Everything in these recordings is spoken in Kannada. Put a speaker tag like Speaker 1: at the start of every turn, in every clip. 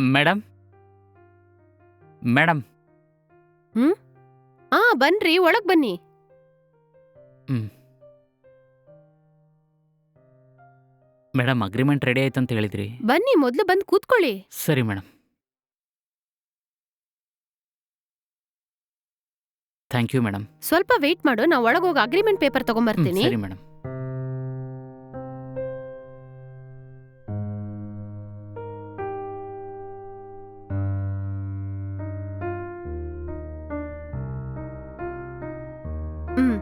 Speaker 1: ಮೇಡಮ್ ಮೇಡಮ್
Speaker 2: ಹ್ಮ್ ಬನ್ರಿ, ಒಳಗ್ ಬನ್ನಿ.
Speaker 1: ಹ್ಮ್ ಮೇಡಮ್ ಅಗ್ರಿಮೆಂಟ್ ರೆಡಿ ಆಯ್ತು ಅಂತ ಹೇಳಿದ್ರಿ.
Speaker 2: ಬನ್ನಿ, ಮೊದ್ಲು ಬಂದ್ ಕೂತ್ಕೊಳ್ಳಿ.
Speaker 1: ಸರಿ ಮೇಡಮ್, ಥ್ಯಾಂಕ್ ಯು ಮೇಡಮ್.
Speaker 2: ಸ್ವಲ್ಪ ವೇಟ್ ಮಾಡು, ನಾ ಒಳಗೋಗಿ ಅಗ್ರಿಮೆಂಟ್ ಪೇಪರ್ ತಗೊಂಬರ್ತೀನಿ.
Speaker 1: ಸರಿ ಮೇಡಮ್.
Speaker 2: ಹ್ಮ್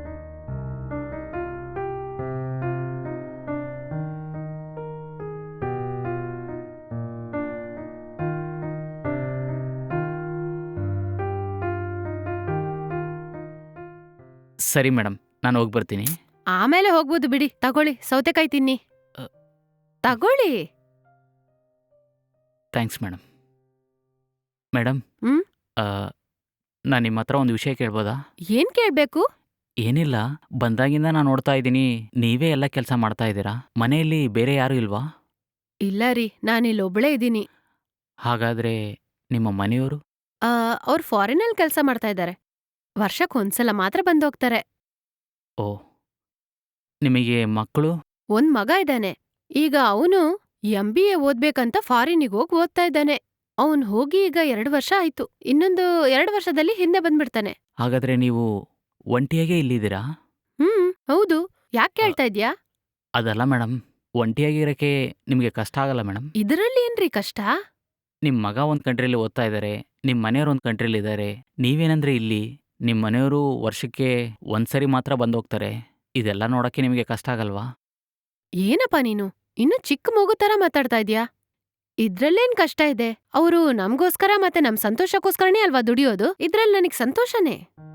Speaker 1: ಸರಿ ಮೇಡಮ್, ನಾನು ಹೋಗಿ ಬರ್ತೀನಿ.
Speaker 2: ಆಮೇಲೆ ಹೋಗ್ಬೋದು ಬಿಡಿ. ತಗೊಳ್ಳಿ, ಸೌತೆಕಾಯಿ ತಿನ್ನಿ.
Speaker 1: ಅ.
Speaker 2: ತಗೊಳ್ಳಿ.
Speaker 1: Thanks madam. ಮೇಡಮ್,
Speaker 2: ಹ್ಮ್
Speaker 1: ನಾನು ನಿಮ್ಮ ಹತ್ರ ಒಂದು ವಿಷಯ ಕೇಳ್ಬೋದಾ?
Speaker 2: ಏನ್ ಕೇಳ್ಬೇಕು?
Speaker 1: ಏನಿಲ್ಲ, ಬಂದಾಗಿಂದ ನಾನು ನೋಡ್ತಾ ಇದ್ದೀನಿ, ನೀವೇ ಎಲ್ಲ ಕೆಲಸ ಮಾಡ್ತಾ ಇದ್ದೀರಾ. ಮನೆಯಲ್ಲಿ ಬೇರೆ ಯಾರೂ ಇಲ್ವಾ?
Speaker 2: ಇಲ್ಲ ರೀ, ನಾನಿಲ್ಲೊಬ್ಳೇ ಇದ್ದೀನಿ.
Speaker 1: ಹಾಗಾದ್ರೆ ನಿಮ್ಮ ಮನೆಯವರು?
Speaker 2: ಅವ್ರು ಫಾರಿನಲ್ಲಿ ಕೆಲಸ ಮಾಡ್ತಾ ಇದ್ದಾರೆ. ವರ್ಷಕ್ಕೊಂದ್ಸಲ ಮಾತ್ರ ಬಂದೋಗ್ತಾರೆ.
Speaker 1: ಓ, ನಿಮಗೆ ಮಕ್ಕಳು?
Speaker 2: ಒಂದ್ ಮಗ ಇದ್ದಾನೆ. ಈಗ ಅವನು MBA ಓದ್ಬೇಕಂತ ಫಾರಿನಿಗ್ ಹೋಗ್ ಓದ್ತಾ ಇದ್ದಾನೆ. ಅವ್ನ್ ಹೋಗಿ ಈಗ 2 ವರ್ಷ ಆಯ್ತು. ಇನ್ನೊಂದು 2 ವರ್ಷದಲ್ಲಿ ಹಿಂದೆ ಬಂದ್ಬಿಡ್ತಾನೆ.
Speaker 1: ಹಾಗಾದ್ರೆ ನೀವು ಒಂಟಿಯಾಗೇ ಇಲ್ಲಿದ್ದೀರಾ?
Speaker 2: ಹೌದು. ಯಾಕ್ ಕೇಳ್ತಾ ಇದ್ಯಾ?
Speaker 1: ಅದಲ್ಲ ಮೇಡಮ್, ಒಂಟಿಯಾಗಿರೋಕ್ಕೆ ನಿಮಗೆ ಕಷ್ಟ ಆಗಲ್ಲ ಮೇಡಮ್?
Speaker 2: ಇದರಲ್ಲಿ ಏನ್ರಿ ಕಷ್ಟ?
Speaker 1: ನಿಮ್ಮ ಮಗ ಒಂದು ಕಂಟ್ರಿಲಿ ಓದ್ತಾ ಇದ್ದಾರೆ, ನಿಮ್ಮ ಮನೆಯವರು ಒಂದು ಕಂಟ್ರಿಲಿ ಇದ್ದಾರೆ, ನೀವೇನಂದ್ರೆ ಇಲ್ಲಿ, ನಿಮ್ಮ ಮನೆಯವರು ವರ್ಷಕ್ಕೆ ಒಂದ್ಸರಿ ಮಾತ್ರ ಬಂದೋಗ್ತಾರೆ. ಇದೆಲ್ಲ ನೋಡೋಕ್ಕೆ ನಿಮಗೆ ಕಷ್ಟ ಆಗಲ್ವಾ?
Speaker 2: ಏನಪ್ಪ ನೀನು ಇನ್ನು ಚಿಕ್ಕ ಮಗು ತರ ಮಾತಾಡ್ತಾ ಇದ್ಯಾ? ಇದ್ರಲ್ಲೇನ್ ಕಷ್ಟ ಇದೆ? ಅವ್ರು ನಮ್ಗೋಸ್ಕರ ಮತ್ತೆ ನಮ್ ಸಂತೋಷಕ್ಕೋಸ್ಕರನೇ ಅಲ್ವಾ ದುಡಿಯೋದು? ಇದ್ರಲ್ಲಿ ನನಗ್ ಸಂತೋಷನೇ.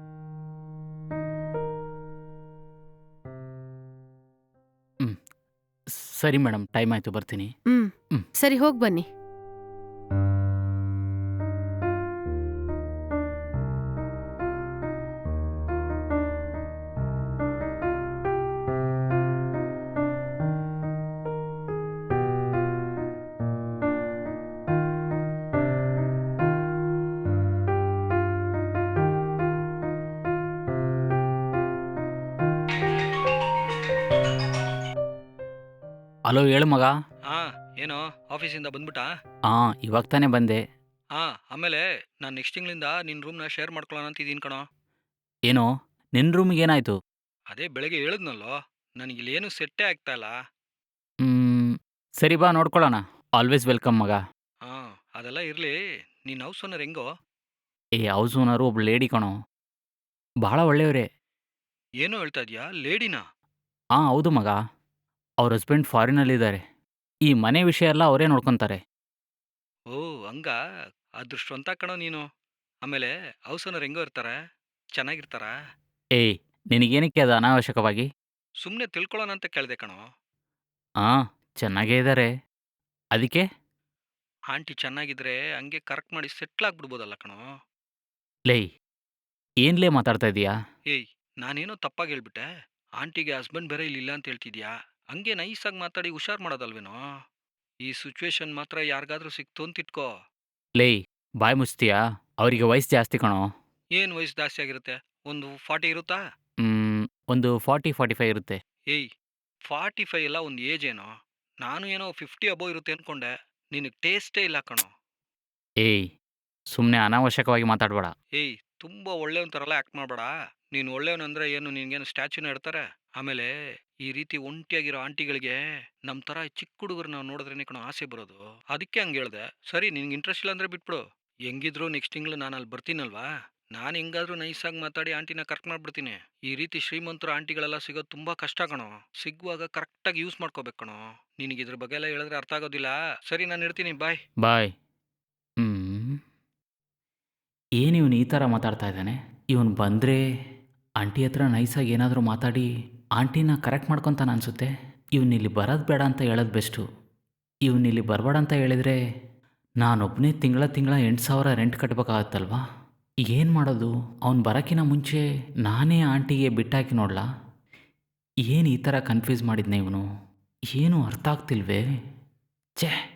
Speaker 1: ಹ್ಮ್ ಸರಿ ಮೇಡಮ್, ಟೈಮ್ ಆಯ್ತು, ಬರ್ತೀನಿ.
Speaker 2: ಹ್ಮ್
Speaker 1: ಹ್ಮ್.
Speaker 2: ಸರಿ, ಹೋಗ್ ಬನ್ನಿ.
Speaker 1: ಹಲೋ, ಹೇಳು ಮಗ.
Speaker 3: ಏನು ಆಫೀಸಿಂದ ಬಂದ್ಬಿಟ್ಟಾ?
Speaker 1: ಇವಾಗ ತಾನೇ ಬಂದೆ.
Speaker 3: ಆಮೇಲೆ ನಾನು ನೆಕ್ಸ್ಟ್ ತಿಂಗಳಿಂದ ನಿನ್ನ ರೂಮ್ನ ಶೇರ್ ಮಾಡ್ಕೊಳ್ಳೋಣ ಅಂತ ಇದೀನಿ ಕಣೋ.
Speaker 1: ಏನೋ, ನಿನ್ನ ರೂಮಿಗೆ ಏನಾಯ್ತು?
Speaker 3: ಅದೇ ಬೆಳಗ್ಗೆ ಹೇಳಿದ್ನಲ್ಲೋ, ನನಗಿಲ್ಲಿ ಏನು ಸೆಟ್ಟೇ ಆಗ್ತಾ ಇಲ್ಲ.
Speaker 1: ಸರಿ ಬಾ, ನೋಡ್ಕೊಳ್ಳೋಣ. ಆಲ್ವೇಸ್ ವೆಲ್ಕಮ್ ಮಗ.
Speaker 3: ಅದೆಲ್ಲ ಇರಲಿ, ನೀನು ಹೌಸ್ ಓನರ್ ಹೆಂಗೋ?
Speaker 1: ಹೌಸ್ ಓನರು ಒಬ್ಳು ಲೇಡಿ ಕಣೋ, ಬಹಳ ಒಳ್ಳೆಯವರೇ.
Speaker 3: ಏನೋ ಹೇಳ್ತಾ ಇದೀಯಾ, ಲೇಡಿನಾ?
Speaker 1: ಹೌದು ಮಗ, ಅವ್ರ ಹಸ್ಬೆಂಡ್ ಫಾರಿನಲ್ಲಿದ್ದಾರೆ. ಈ ಮನೆ ವಿಷಯ ಎಲ್ಲ ಅವರೇ ನೋಡ್ಕೊತಾರೆ.
Speaker 3: ಓ, ಹಂಗ? ಅದೃಷ್ಟವಂತ ಕಣೋ ನೀನು. ಆಮೇಲೆ ಹೌಸ್ ಓನರ್ ಹೆಂಗೋ ಇರ್ತಾರೆ? ಚೆನ್ನಾಗಿರ್ತಾರಾ?
Speaker 1: ನಿನಗೇನಕ್ಕೆ ಅದು ಅನಾವಶ್ಯಕವಾಗಿ?
Speaker 3: ಸುಮ್ಮನೆ ತಿಳ್ಕೊಳ್ಳೋಣ ಅಂತ ಕೇಳಿದೆ ಕಣೋ.
Speaker 1: ಚೆನ್ನಾಗೇ ಇದ್ದಾರೆ. ಅದಕ್ಕೆ?
Speaker 3: ಆಂಟಿ ಚೆನ್ನಾಗಿದ್ರೆ ಹಂಗೆ ಕರೆಕ್ಟ್ ಮಾಡಿ ಸೆಟ್ಲ್ ಆಗ್ಬಿಡ್ಬೋದಲ್ಲ ಕಣೋ.
Speaker 1: ಏನ್ಲೇ ಮಾತಾಡ್ತಾ ಇದೀಯಾ?
Speaker 3: ನಾನೇನೋ ತಪ್ಪಾಗಿ ಹೇಳ್ಬಿಟ್ಟೆ? ಆಂಟಿಗೆ ಹಸ್ಬೆಂಡ್ ಬೇರೆ ಇಲ್ಲಿಲ್ಲ ಅಂತ ಹೇಳ್ತಿದ್ಯಾ? ಹಂಗೆ ನೈಸಾಗಿ ಮಾತಾಡಿ ಹುಷಾರ್ ಮಾಡೋದಲ್ವೇನೋ? ಈ ಸಿಚುವೇಶನ್ ಮಾತ್ರ ಯಾರಿಗಾದ್ರೂ ಸಿಕ್ತು ಅಂತ ಇಟ್ಕೋ.
Speaker 1: ಬಾಯ್ ಮುಚ್ತೀಯಾ? ಅವರಿಗೆ ವಯಸ್ಸು ಜಾಸ್ತಿ ಕಣೋ.
Speaker 3: ಏನು ವಯಸ್ಸು ಜಾಸ್ತಿ ಆಗಿರುತ್ತೆ? ಒಂದು 40 ಇರುತ್ತಾ?
Speaker 1: ಒಂದು 40-45 ಇರುತ್ತೆ.
Speaker 3: 45 ಎಲ್ಲ ಒಂದು ಏಜ್ ಏನೋ? ನಾನು ಏನೋ 50 ಅಬೋವ್ ಇರುತ್ತೆ ಅನ್ಕೊಂಡೆ. ನಿನಗೆ ಟೇಸ್ಟೇ ಇಲ್ಲ ಕಣೋ.
Speaker 1: ಸುಮ್ಮನೆ ಅನಾವಶ್ಯಕವಾಗಿ ಮಾತಾಡಬೇಡ.
Speaker 3: ತುಂಬ ಒಳ್ಳೆಯವನ ಥರ ಎಲ್ಲ ಆ್ಯಕ್ಟ್ ಮಾಡಬೇಡ. ನೀನು ಒಳ್ಳೆಯವನಂದ್ರೆ ಏನು ನಿನಗೇನು ಸ್ಟ್ಯಾಚ್ಯೂನ ಇಡ್ತಾರೆ? ಆಮೇಲೆ ಈ ರೀತಿ ಒಂಟಿಯಾಗಿರೋ ಆಂಟಿಗಳಿಗೆ ನಮ್ಮ ಥರ ಚಿಕ್ಕ ಹುಡುಗರನ್ನ ನೋಡಿದ್ರೇನೆ ಕಣೋ ಆಸೆ ಬರೋದು. ಅದಕ್ಕೆ ಹಂಗೆ ಹೇಳ್ದೆ. ಸರಿ, ನಿನ್ಗೆ ಇಂಟ್ರೆಸ್ಟ್ ಇಲ್ಲ ಅಂದರೆ ಬಿಟ್ಬಿಡು. ಹೆಂಗಿದ್ರು ನೆಕ್ಸ್ಟ್ ತಿಂಗಳು ನಾನು ಅಲ್ಲಿ ಬರ್ತೀನಲ್ವಾ? ನಾನು ಹೆಂಗಾದ್ರೂ ನೈಸಾಗಿ ಮಾತಾಡಿ ಆಂಟಿನ ಕರೆಕ್ಟ್ ಮಾಡ್ಬಿಡ್ತೀನಿ. ಈ ರೀತಿ ಶ್ರೀಮಂತರ ಆಂಟಿಗಳೆಲ್ಲ ಸಿಗೋದು ತುಂಬ ಕಷ್ಟ ಕಣೋ. ಸಿಗುವಾಗ ಕರೆಕ್ಟಾಗಿ ಯೂಸ್ ಮಾಡ್ಕೋಬೇಕು ಕಣೋ. ನಿನಗೆ ಇದ್ರ ಬಗ್ಗೆ ಎಲ್ಲ ಹೇಳಿದ್ರೆ ಅರ್ಥ ಆಗೋದಿಲ್ಲ. ಸರಿ, ನಾನು ಇಡ್ತೀನಿ. ಬಾಯ್.
Speaker 1: ಬಾಯ್. ಏನು ಇವನು ಈ ಥರ ಮಾತಾಡ್ತಾ ಇದ್ದಾನೆ? ಇವನು ಬಂದರೆ ಆಂಟಿ ಹತ್ರ ನೈಸಾಗಿ ಏನಾದರೂ ಮಾತಾಡಿ ಆಂಟಿನ ಕರೆಕ್ಟ್ ಮಾಡ್ಕೊತಾನೆ ಅನಿಸುತ್ತೆ. ಇವನಿಲ್ಲಿ ಬರೋದು ಬೇಡ ಅಂತ ಹೇಳೋದು ಬೆಸ್ಟು. ಇವನಿಲ್ಲಿ ಬರಬೇಡ ಅಂತ ಹೇಳಿದರೆ ನಾನೊಬ್ಬನೇ ತಿಂಗಳ 8,000 ರೆಂಟ್ ಕಟ್ಟಬೇಕಾಗತ್ತಲ್ವಾ? ಏನು ಮಾಡೋದು? ಅವ್ನು ಬರೋಕ್ಕಿಂತ ಮುಂಚೆ ನಾನೇ ಆಂಟಿಗೆ ಬಿಟ್ಟಾಕಿ ನೋಡಲಾ? ಏನು ಈ ಥರ ಕನ್ಫ್ಯೂಸ್ ಮಾಡಿದ್ನೆ ಇವನು? ಏನೂ ಅರ್ಥ ಆಗ್ತಿಲ್ವೇ? ಛೇ.